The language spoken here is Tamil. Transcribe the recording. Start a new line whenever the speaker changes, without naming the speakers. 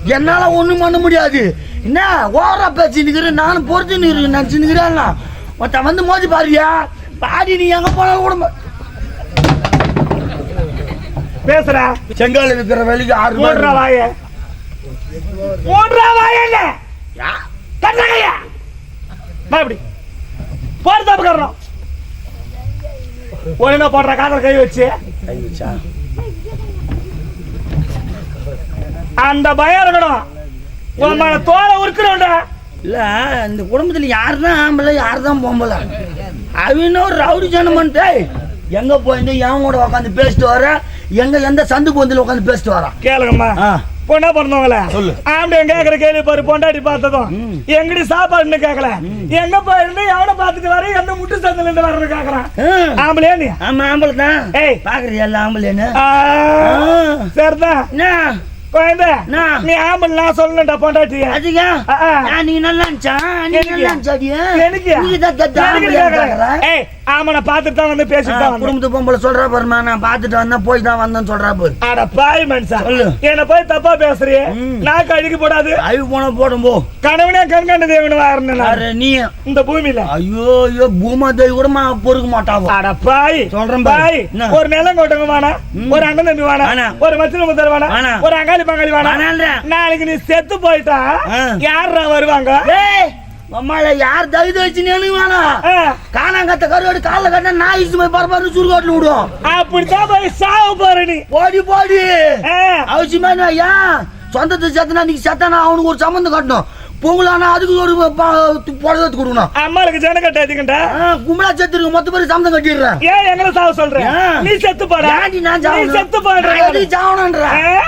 என்னால ஒண்ணும் பண்ண முடியாது. என்ன ஓவரா பேசினுக்கிறேன், நானும் பொறுத்து நினைச்சுக்கிறேன். மொத்த வந்து மோதி பாருயா, பாடி நீ எங்க போனாலும் கூட
பேசுற.
செங்கால இருக்கிற வேலைக்கு 6
மூன்றா வாய என்ன கட்டகையா அப்படி போடுதாப்பு காரணம் ஒழுங்கா போடுற காதல் கை வச்சா அந்த பயம் இருக்கணும். உன் மேல தோலை உருக்கணும்டா.
இல்ல இந்த குடும்பத்துல யாருதான் ஆம்பளை யாருதான் பொம்பளை, அவன் ஒரு ரவுடி ஜனமன்ட்டு எங்க போயிருந்து என் கூட உட்காந்து பேசிட்டு வர, எங்க எந்த சந்துக்கு வந்து உட்காந்து பேசிட்டு வரான்.
கேளுங்கம்மா, பொண்ணா பிறந்தவங்கள
சொல்லு.
ஆம்பளை கேக்குற கேள்வி பாரு. பொண்டாட்டி பார்த்ததும் எங்கடி சாப்பாடுன்னு கேட்கல, எங்க போயிருந்து எவனை பார்த்துட்டு வர, எந்த முட்டு சந்தில இருந்து வர்றது கேக்குறான். ஆம்பளையா நீ?
ஆமா ஆம்பளை தான்.
ஏய்
பாக்குறியா எல்லாம் ஆம்பளைன்னு?
சரிதான்.
என்ன
குழந்தை நீ ஆம்பளை நான் சொல்லணும்டா பொண்டாட்டிய.
அதிகா நீ நல்லா
ஆமா பாத்துட்டு தான் வந்து பேசிட்டு
குடும்பத்து பொம்பளை சொல்றா பாருமா, நான் பாத்துட்டு வந்தேன் போய் தான் வந்தேன்னு சொல்றா பாரு.
அட பாய் மனுஷா, என்ன போய் தப்பா பேசுறியே, நான் கழுகி போடாது.
அழுகு போன போடும் போ.
கணவனே கண்கண்ட தேவனு நீ இந்த பூமியில.
ஐயோ ஐயோ பூமா தேவி கூட பொறுக்க மாட்டாவோ.
அட பாய் சொல்றேன் பாய், ஒரு நிலம் கொட்டங்க வேணா, ஒரு அண்ணன் தம்பி வேணா, ஒரு மச்சின முத்தர் வேணா, ஒரு அங்காளி பங்காளி வேணா. நாளைக்கு நீ செத்து போயிட்டா யாரா வருவாங்க?
அம்மால யார் தகுதி வச்சுன்னு வேணாம். காணாங்கத்த கருவாடு கால கட்ட நான் இசு போய் பரபாரு சுருக்காட்டுல விடும்.
அப்படித்தான் போய் சாவு பாரு நீ.
போடி போடி அவசியமா ஏன் சொந்தத்தை செத்தனா நீ செத்தானா அவனுக்கு ஒரு சம்பந்தம் கட்டணும். பொங்கலானா அதுக்கு ஒரு புடவை கொடுக்கணும்.
அம்மாளுக்கு ஜன கட்டாதீங்கடா.
கும்பலா செத்துருக்கு மொத்த பேர் சம்பந்தம் கட்டிடுறேன்.
ஏன் எங்களை சாவ சொல்றேன்? நீ செத்து போடா.
நான்
செத்து போடுற
சாவணுன்ற